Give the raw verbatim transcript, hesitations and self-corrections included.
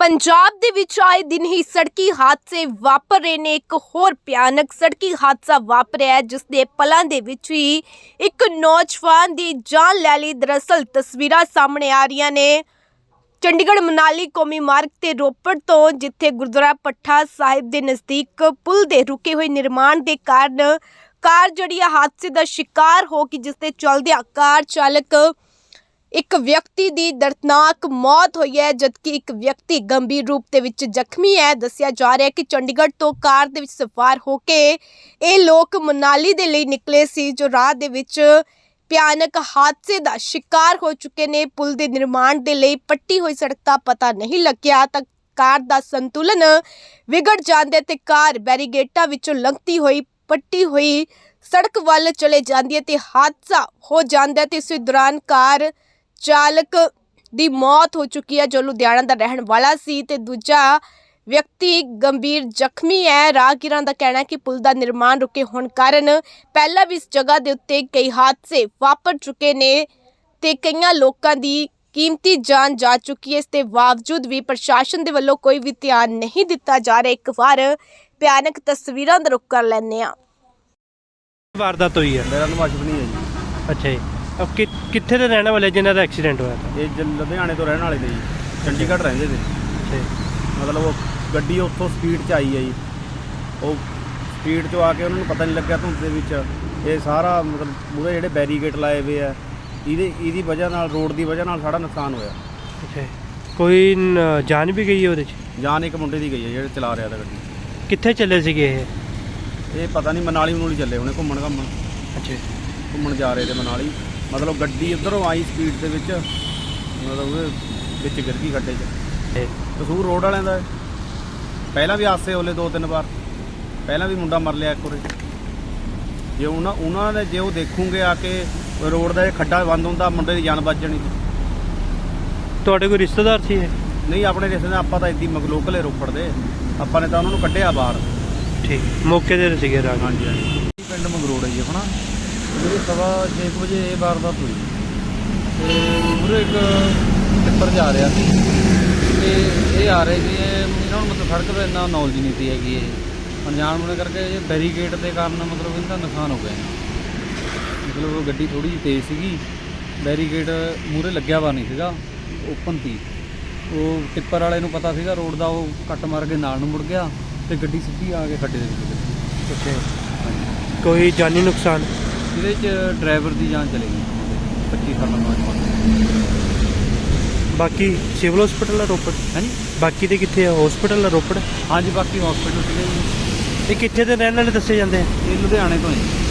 पंजाब दे विच आए दिन ही सड़की हादसे वापर रहे ने। एक होर भयानक सड़की हादसा वापरिया जिसदे पलां दे विच ही एक नौजवान दी जान लै लई। दरअसल तस्वीरां सामने आ रही ने चंडीगढ़ मनाली कौमी मार्ग ते रोपड़ तो, जिथे गुरुद्वारा पट्टा साहिब के नज़दीक पुल दे रुके हुए निर्माण के कारण कार जड़ी हादसे का शिकार हो गई, जिसके चलदिया कार चालक एक व्यक्ति की दर्दनाक मौत हुई है, जबकि एक व्यक्ति गंभीर रूप से विच जख्मी है। दस्सिया जा रहा है कि चंडीगढ़ तो कार दे विच सवार होके ये लोग मनाली दे लई निकले सी, जो राह दे विच भयानक हादसे का शिकार हो चुके ने। पुल के निर्माण के लिए पट्टी हुई सड़क का पता नहीं लग्या तक कार का संतुलन विगड़ जांदे ते कार बैरीगेटां विचों लंघती हुई पट्टी हुई सड़क वाल चले जाती है ते हादसा हो जाता है। इस दौरान कार चालक की मौत हो चुकी है, जो लुधियाना का रहने वाला सी ते दूजा व्यक्ति गंभीर जख्मी है। राहगीरां का कहना है कि पुल का निर्माण रुके होने कारण पहला भी इस जगह के उत्ते कई हादसे वापर चुके ने ते कई लोगों की कीमती जान जा चुकी है। इसके बावजूद भी प्रशासन के वलों कोई भी ध्यान नहीं दिता जा रहा। एक बार भयानक तस्वीरां दा रुख कर लैने आ। वारदात हुई है। मेरा नाम अश्विनी है जी। अच्छा जी, अब कि कित्थे दे रहने वाले जिन्हां दा एक्सीडेंट होया था? ये ज- लुधियाने तो रहने वाले थे जी, चंडीगढ़ रहंदे थे। अच्छा जी, मतलब वो ਗੱਡੀ ਉੱਥੋਂ ਸਪੀਡ 'ਚ ਆਈ ਹੈ ਜੀ। ਉਹ ਸਪੀਡ 'ਚੋਂ ਆ ਕੇ ਉਹਨਾਂ ਨੂੰ ਪਤਾ ਨਹੀਂ ਲੱਗਿਆ ਧੁੰਦ ਦੇ ਵਿੱਚ ਇਹ ਸਾਰਾ ਮਤਲਬ ਮੂਹਰੇ ਜਿਹੜੇ ਬੈਰੀਕੇਡ ਲਾਏ ਹੋਏ ਆ ਇਹਦੇ ਇਹਦੀ ਵਜ੍ਹਾ ਨਾਲ ਰੋਡ ਦੀ ਵਜ੍ਹਾ ਨਾਲ ਸਾਡਾ ਨੁਕਸਾਨ ਹੋਇਆ। अच्छा जी। कोई न- जान भी गई है ਉਹਦੇ 'ਚ? ਜਾਨ ਇੱਕ ਮੁੰਡੇ ਦੀ ਗਈ ਹੈ ਜਿਹੜੇ ਚਲਾ ਰਿਹਾ ਤਾ ਗੱਡੀ। ਕਿੱਥੇ ਚੱਲੇ ਸੀਗੇ ਇਹ? ਇਹ ਪਤਾ ਨਹੀਂ ਮਨਾਲੀ ਮਨੂਲੀ ਚੱਲੇ ਹੋਣੇ ਘੁੰਮਣ ਘੁੰਮਣ ਅੱਛਾ ਜੀ, ਘੁੰਮਣ ਜਾ ਰਹੇ ਤੇ ਮਨਾਲੀ। ਮਤਲਬ ਗੱਡੀ ਉੱਧਰੋਂ ਆਈ ਸਪੀਡ ਦੇ ਵਿੱਚ, ਮਤਲਬ ਉਹਦੇ ਵਿੱਚ ਗਿਰ ਗਈ ਖੱਡੇ 'ਚ। ਇਹ ਕਸੂਰ ਰੋਡ ਵਾਲਿਆਂ ਦਾ ਹੈ। ਪਹਿਲਾਂ ਵੀ ਹਾਦਸੇ ਹੋਲੇ ਦੋ ਤਿੰਨ ਵਾਰ, ਪਹਿਲਾਂ ਵੀ ਮੁੰਡਾ ਮਰ ਲਿਆ ਇੱਕ ਵਾਰੀ। ਜੇ ਉਹਨਾਂ ਉਹਨਾਂ ਨੇ ਜੇ ਉਹ ਦੇਖੂਗੇ ਆ ਕੇ ਰੋਡ ਦਾ ਇਹ ਖੱਡਾ ਬੰਦ ਹੁੰਦਾ, ਮੁੰਡੇ ਦੀ ਜਾਨ ਬਚ ਜਾਣੀ ਸੀ। ਤੁਹਾਡੇ ਕੋਈ ਰਿਸ਼ਤੇਦਾਰ ਸੀ ਇਹ? ਨਹੀਂ ਆਪਣੇ ਰਿਸ਼ਤੇਦਾਰ, ਆਪਾਂ ਤਾਂ ਇੱਦੀ ਲੋਕਲ ਰੋਪੜ ਦੇ, ਆਪਾਂ ਨੇ ਤਾਂ ਉਹਨਾਂ ਨੂੰ ਕੱਢਿਆ ਬਾਹਰ। ਠੀਕ, ਮੌਕੇ ਤੇ ਸੀਗੇ ਰਾਜ? ਹਾਂਜੀ ਹਾਂਜੀ। ਪਿੰਡ ਮੰਗਰੋੜ ਹੈ ਜੀ ਆਪਣਾ। ਇਹ ਸਵਾ ਛੇ ਕੁ ਵਜੇ ਇਹ ਵਾਰਦਾਤ ਹੋਈ ਤੇ ਪੂਰੇ ਇੱਕ ਟਿੱਪਰ ਜਾ ਰਿਹਾ ਸੀ ਤੇ ਇਹ ਆ ਰਹੇ ਸੀ। ਇਹਨਾਂ ਨੂੰ ਮਤਲਬ ਸੜਕ 'ਤੇ ਇੰਨਾ ਨੌਲੇਜ ਨਹੀਂ ਸੀ ਹੈਗੀ। ਇਹ ਅਣਜਾਣ ਹੋਣੇ ਕਰਕੇ ਇਹ ਬੈਰੀਕੇਡ ਦੇ ਕਾਰਨ ਮਤਲਬ ਇਹਦਾ ਨੁਕਸਾਨ ਹੋ ਗਿਆ। ਮਤਲਬ ਉਹ ਗੱਡੀ ਥੋੜ੍ਹੀ ਜਿਹੀ ਤੇਜ਼ ਸੀਗੀ, ਬੈਰੀਕੇਡ ਮੂਹਰੇ ਲੱਗਿਆ ਵਾ ਨਹੀਂ ਸੀਗਾ, ਓਪਨ ਸੀ। ਉਹ ਟਿੱਪਰ ਵਾਲੇ ਨੂੰ ਪਤਾ ਸੀਗਾ ਰੋਡ ਦਾ, ਉਹ ਕੱਟ ਮਾਰ ਕੇ ਨਾਲ ਨੂੰ ਮੁੜ ਗਿਆ ਤੇ ਗੱਡੀ ਸਿੱਧੀ ਆ ਕੇ ਖੱਡੇ ਦੇ ਵਿੱਚ ਵੱਜੀ। ਅੱਛਾ ਜੀ। ਕੋਈ ਜਾਨੀ ਨੁਕਸਾਨ? ਇਹਦੇ 'ਚ ਡਰਾਈਵਰ ਦੀ ਜਾਨ ਚਲੀ ਗਈ, ਪੱਚੀ ਸਾਲਾਂ ਨੌਜਵਾਨ। ਬਾਕੀ ਸਿਵਲ ਹਸਪੀਟਲ ਆ ਰੋਪੜ? ਹਾਂਜੀ ਬਾਕੀ ਦੇ ਕਿੱਥੇ ਆ? ਹਸਪੀਟਲ ਆ ਰੋਪੜ? ਹਾਂਜੀ, ਬਾਕੀ ਹਸਪੀਟਲ ਸੀਗੇ ਜੀ। ਇਹ ਕਿੱਥੇ ਦੇ ਰਹਿਣ ਵਾਲੇ ਦੱਸੇ ਜਾਂਦੇ ਆ? ਇਹ ਲੁਧਿਆਣੇ ਤੋਂ ਹੀ।